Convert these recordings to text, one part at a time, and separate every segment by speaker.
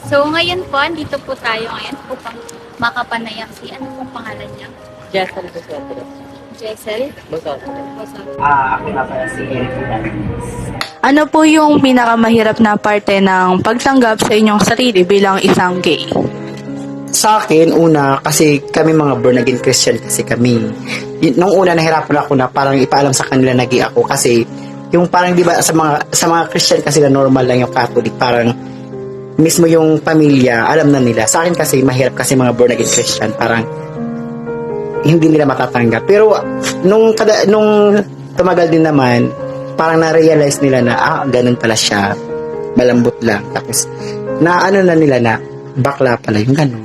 Speaker 1: So, ngayon po, andito po tayo ngayon upang makapanayam si ano pong pangalan niya?
Speaker 2: Jason Busotros.
Speaker 1: Jessel?
Speaker 2: Busotros.
Speaker 3: Ako nga pala si Eric Hernandez.
Speaker 4: Ano po yung pinakamahirap na parte ng pagtanggap sa inyong sarili bilang isang gay?
Speaker 3: Sa akin, una, kasi kami mga born again Christian kasi kami. Nung una, nahirapan ako na parang ipaalam sa kanila na gay ako kasi yung parang di ba sa mga Christian kasi na normal lang yung Catholic, parang mismo yung pamilya, alam na nila. Sa akin kasi, mahirap kasi mga born again Christian, parang hindi nila matatanggap. Pero nung tumagal din naman, parang na-realize nila na ganun pala siya, malambot lang. Tapos na ano na nila na bakla pala yung ganun.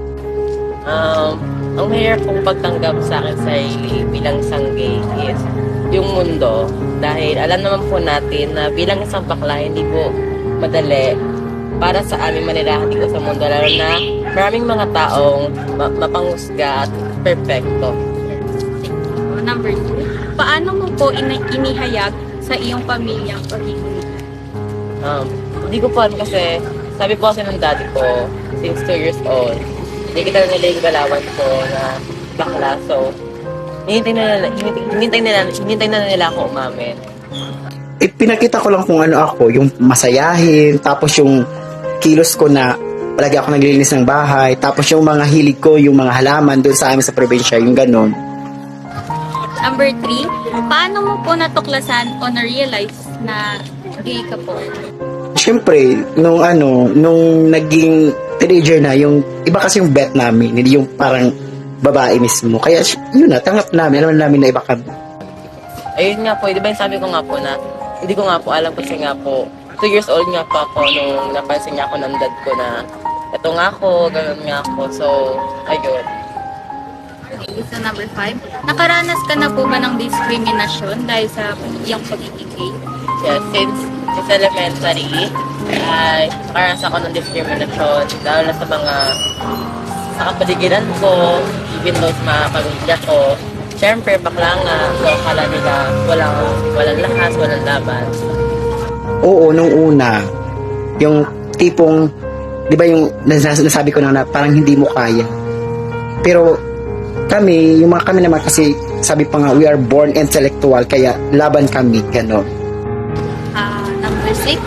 Speaker 2: Ang mahirap kong pagtanggap sa akin sarili bilang isang gay is yung mundo. Dahil alam naman po natin na bilang isang bakla, hindi po madali para sa aming manirahan dito sa mundo. Lalo na maraming mga taong mapanghusga at perfecto.
Speaker 1: Number 2, paano mo po inihayag sa iyong pamilya ang pagiging?
Speaker 2: Hindi ko po alam kasi sabi po kasi ng daddy ko since 2 years old, hindi kita nila yung galawan ko na bakla. So, hinintay na nila ako umamin.
Speaker 3: Pinakita ko lang kung ano ako, yung masayahin, tapos yung kilos ko na palagi ako naglilinis ng bahay, tapos yung mga hilig ko, yung mga halaman doon sa amin sa probinsya, yung ganun.
Speaker 1: Number 3, paano mo po natuklasan o na-realize na gay ka po?
Speaker 3: Siyempre, nung naging teenager na, yung iba kasi yung bet namin, hindi yung parang babae mismo. Kaya yun na, tanggap namin, alam namin na iba kami.
Speaker 2: Ayun nga po, di ba yung sabi ko nga po na hindi ko nga po alam kasi nga po 2 years old nga po ako nung napansin niya ako ng dad ko na ito nga ako, gano'n nga ako. So, ayun.
Speaker 1: Okay, so number 5, nakaranas ka na po ba ng diskriminasyon dahil sa iyong pagiging gay?
Speaker 2: Yeah, since elementary, ay nakaranas ako ng discrimination, lalo na sa kapaligiran ko, even though sa mga pamilya ko. Siyempre, bakla nga, so akala nila walang lakas, walang laban.
Speaker 3: Oo, nung una, yung tipong, di ba yung nasabi ko na parang hindi mo kaya. Pero kami naman kasi sabi pa nga, we are born intellectual, kaya laban kami, gano'n.
Speaker 1: Number 6,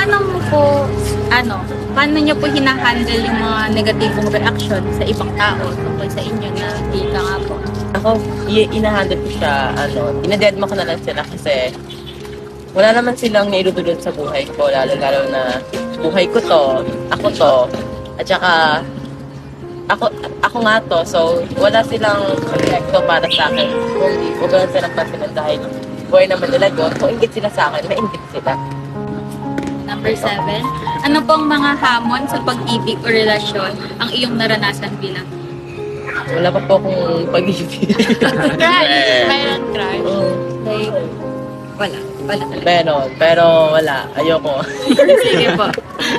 Speaker 1: paano niyo po hinahandle yung mga negatibong reaction sa ibang tao tungkol sa inyo na gay ka nga po?
Speaker 2: Ako, inahandle ko siya, inadedma ko na lang sila kasi wala naman silang nailudulod sa buhay ko, lalo na buhay ko to, ako to, at saka ako nga to, so wala silang epekto para sa akin kung huwag lang silang pansinin dahil buhay naman nila doon, kung ingit sila sa akin, maingit sila.
Speaker 1: Number 7, ano pong mga hamon sa pag-ibig o relasyon ang iyong naranasan bilang?
Speaker 2: Wala pa po akong pag-ibig.
Speaker 1: Mayroon crush? Like, wala talaga.
Speaker 2: Meron, pero wala, ayoko.
Speaker 1: Sige po.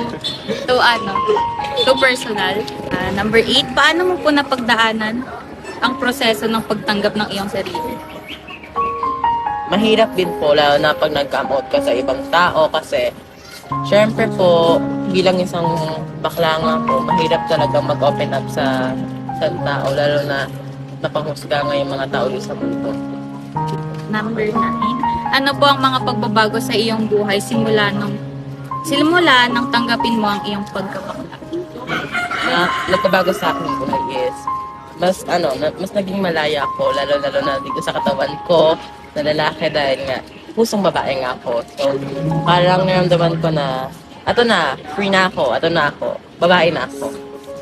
Speaker 1: So personal. Number 8, paano mo po napagdaanan ang proseso ng pagtanggap ng iyong sarili?
Speaker 2: Mahirap din po, lalo na pag nag-come out ka sa ibang tao kasi syempre po, bilang isang bakla nga po, mahirap talaga mag-open up sa tao, lalo na napanghusga nga yung mga tao sa mundo.
Speaker 1: Number 9, ano po ang mga pagbabago sa iyong buhay simula nang tanggapin mo ang iyong pagkabakla?
Speaker 2: Na nagbabago sa akin yung buhay is mas naging malaya ako, lalo na dito sa katawan ko na lalaki dahil nga pusong babae nga ako. So, parang naramdaman ko na free na ako, babae na ako.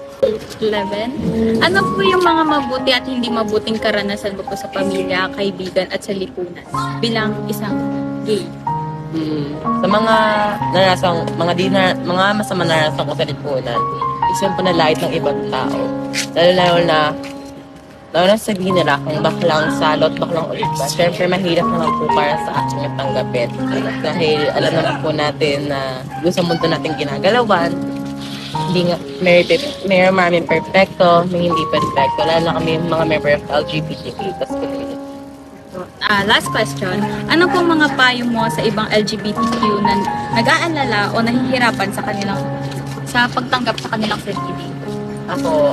Speaker 1: 11, ano po yung mga mabuti at hindi mabuting karanasan mo po sa pamilya, kaibigan at sa lipunan bilang isang gay?
Speaker 2: Sa mga mga masama naranasan ko sa lipunan, isang panalait ng ibang tao. Lalo na sabihin nila kung baklang salot, baklang ulit ba. Siyempre, mahirap naman po para sa akin yung tanggapin. Dahil alam naman po natin na sa mundo natin ginagalawan, hindi nga, may maraming perfecto, may hindi perfecto. Lalo na kami mga member of LGBTQ plus community.
Speaker 1: Last question, ano pong mga payo mo sa ibang LGBTQ na nag-aalala o nahihirapan sa kanilang sa pagtanggap sa kanilang sarili?
Speaker 2: Ako,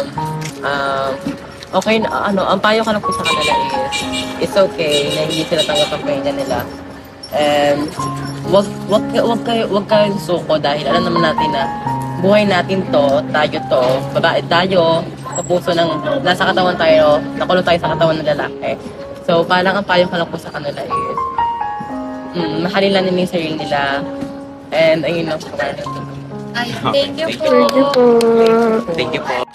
Speaker 2: okay, ang payo ko lang po sa kanila is, it's okay na hindi sila tanggap ang pahinga nila. And, wag kayong suko dahil alam naman natin na buhay natin to, babae tayo, sa puso ng, nasa katawan tayo, nakulong tayo sa katawan ng lalaki. So, parang ang payo ko lang po sa kanila is, mahalin lang nila yung sarili nila, and ayun lang po.
Speaker 1: Ay, thank you po.
Speaker 3: Thank you po.